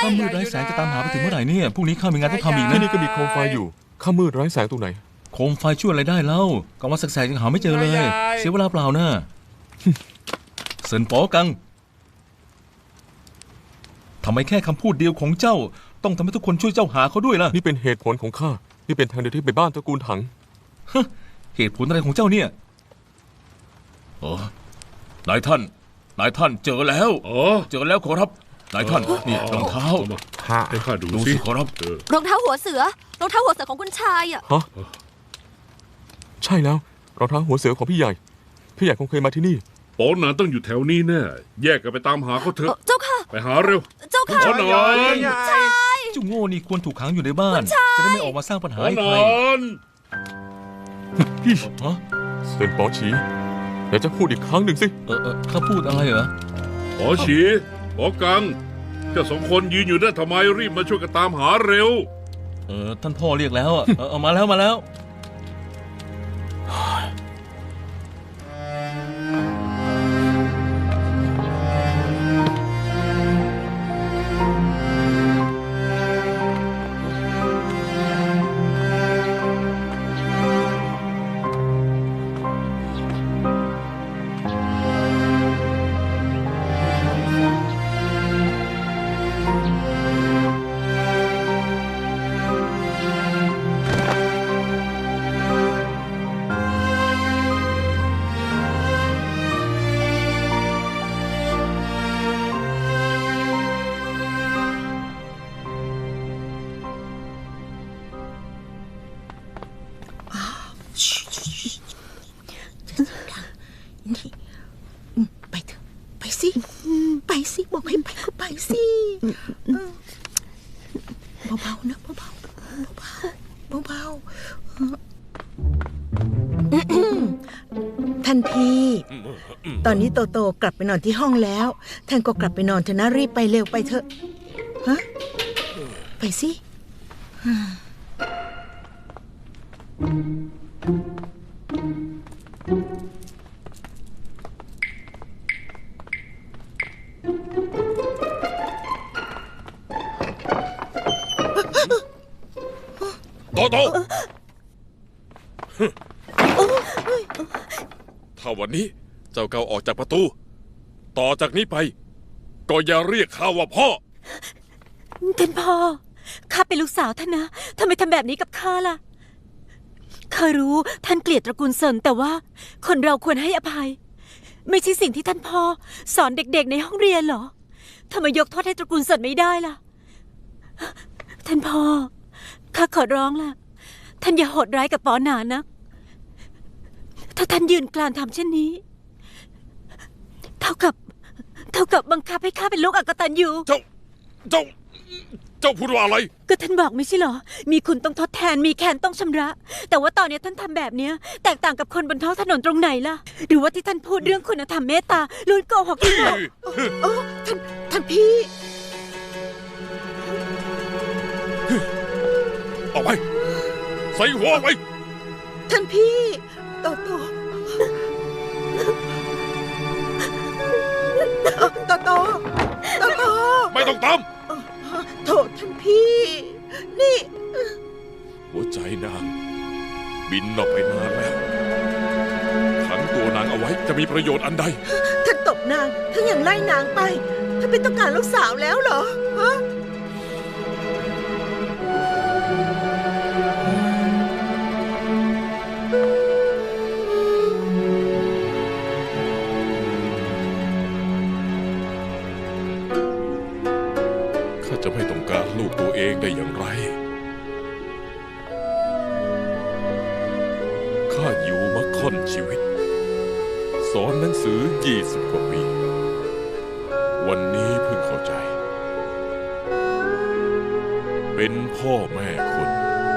ข้ามืดไร้แสงจะตามหาไปถึงเมื่อไหร่เนี่ยพรุ่งนี้ข้ามีงานต้องทำอีกนะที่นี่ก็มีโคมไฟอยู่ข้ามืดไร้แสงตรงไหนโคมไฟช่วยอะไรได้เล่ากลางวันแสกๆยังหาไม่เจอเลยเสียเวลาเปล่านะเซินป๋อกังทำไมแค่คำพูดเดียวของเจ้าต้องทำให้ทุกคนช่วยเจ้าหาเขาด้วยล่ะนี่เป็นเหตุผลของข้านี่เป็นทางเดียวที่ไปบ้านตระกูลถังเหตุผลอะไรของเจ้าเนี่ยนายท่านเจอแล้วเจอแล้วขอรับนายท่านนี่รองเท้าให้ข้าดูสิขอรับรองเท้าหัวเสือของคุณชายอ่ะฮะใช่แล้วรองเท้าหัวเสือของพี่ใหญ่คงเคยมาที่นี่ป๋อหนานต้องอยู่แถวนี้แน่แยกกันไปตามหาเขาเถอะเจ้าค่ะไปหาเร็วเจ้าค่ะป๋อหนานชายเจ้าโง่นี่ควรถูกขังอยู่ในบ้านจะได้ไม่ออกมาสร้างปัญหาให้ใครเซินป๋อฉีเดี๋ยวจะพูดอีกครั้งหนึ่งสิเขาพูดอะไรเหรอป๋อฉีป๋อกังเจ้าสองคนยืนอยู่ได้ทำไมรีบมาช่วยกันตามหาเร็วท่านพ่อเรียกแล้วมาแล้วไปเถอะไปสิบอกให้ไปก็ไปสิเบาๆนะเบาท่านพี่ตอนนี้โตกลับไปนอนที่ห้องแล้วท่านก็กลับไปนอนเถอะนะรีบไปเร็วไปเถอะฮะไปสิโตถ้าวันนี้เจ้าเก่าออกจากประตูต่อจากนี้ไปก็อย่าเรียกข้าว่าพ่อท่านพ่อข้าเป็นลูกสาวท่านนะทำไมทำแบบนี้กับข้าล่ะข้ารู้ท่านเกลียดตระกูลเซินแต่ว่าคนเราควรให้อภัยไม่ใช่สิ่งที่ท่านพ่อสอนเด็กๆในห้องเรียนหรอทำไมยกโทษให้ตระกูลเซินไม่ได้ล่ะท่านพ่อข้าขอร้องล่ะท่านอย่าโหดร้ายกับป๋อหนานนะถ้าท่านยืนกรานทำเช่นนี้เท่ากับบังคับให้ข้าเป็นลูกอกตัญญูเจ้าพูดว่าอะไรก็ท่านบอกไม่ใช่เหรอมีคุณต้องทดแทนมีแค้นต้องชำระแต่ว่าตอนนี้ท่านทำแบบนี้แตกต่างกับคนบนท้องถนนตรงไหนล่ะหรือว่าที่ท่านพูดเรื่องคุณธรรมเมตตาล้วนโกหกที่บอกท่านพี่ออกไปใส่หัวไปท่านพี่โตไม่ต้องตามโถท่านพี่นี่หัวใจนางบินออกไปนานแล้วขังตัวนางเอาไว้จะมีประโยชน์อันใดท่านตบนางท่านยังไล่นางไปท่านไม่ต้องการลูกสาวแล้วเหรอฮะจะไม่ต้องการลูกตัวเองได้อย่างไรข้าอยู่มาค่อนชีวิตสอนหนังสือ20 กว่าปีวันนี้เพิ่งเข้าใจเป็นพ่อแม่คน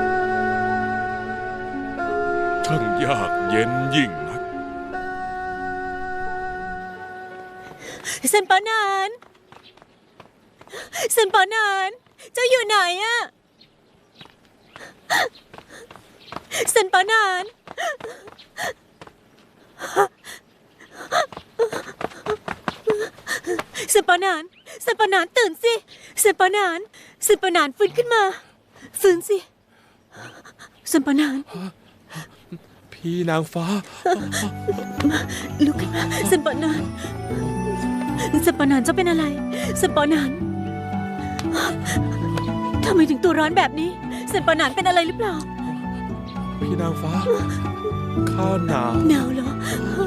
ช่างยากเย็นยิ่งนักเซินป๋อหนานเซินป๋อหนานเจ้าอยู่ไหนอะเซินป๋อหนานเซินป๋อหนานเซนปานานตื่นสิเซนปานานฟื้นขึ้นมาฟื้นสิเซนปานานพี่นางฟ้าลุกขึ้นมาเซนปานานเจ้าเป็นอะไรเซนปานานทำไมถึงตัวร้อนแบบนี้เซนปานานเป็นอะไรหรือเปล่าพี่นางฟ้า ข้าหนาวหนาวเหรอ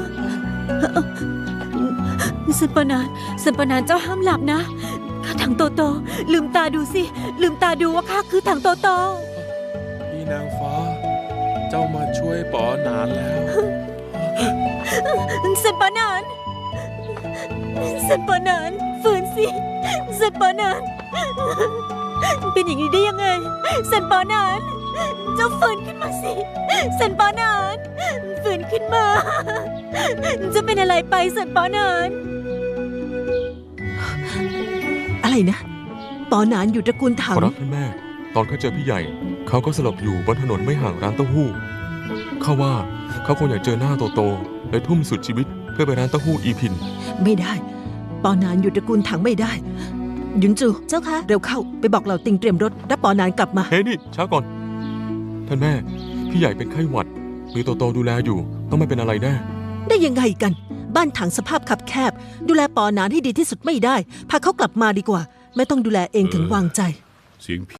เซนปานานเจ้าห้ามหลับนะข้าถังโตโตลืมตาดูสิลืมตาดูว่าข้าคือถังโตโตพี่นางฟ้า เจ้ามาช่วยปอหนานแล้วเซนปานานฟื้นสิเซนปานานเป็นอย่างนี้ได้ยังไงเซนปานานเจ้าฟื้นขึ้นมาสิเซนปานานฟื้นขึ้นมาจะเป็นอะไรไปเซนปานานอะไรนะปอหนานอยู่ตระกูลถัของ รับท่านแม่ ตอนเขาเจอพี่ใหญ่ เขาก็สลบอยู่บนถนนไม่ห่างร้านเต้าหู้เขาว่าเขาคงอยากเจอหน้าโตๆเลยทุ่มสุดชีวิตเพื่อไปร้านเต้าหู้อีพินไม่ได้ปอหนานอยู่ตระกูลถังไม่ได้หยุนจูเจ้าคะเร็วเข้าไปบอกเหล่าติงเตรียมรถรับปอหนานกลับมาเฮ้ยนี่ช้าก่อน ท่านแม่ พี่ใหญ่เป็นไข้หวัด มีโตๆดูแลอยู่ ต้องไม่เป็นอะไรแน่ได้ยังไงกัน บ้านถังสภาพคับแคบ ดูแลปอหนานให้ดีที่สุดไม่ได้พาเขากลับมาดีกว่า ไม่ต้องดูแลเองถึงวางใจเสียง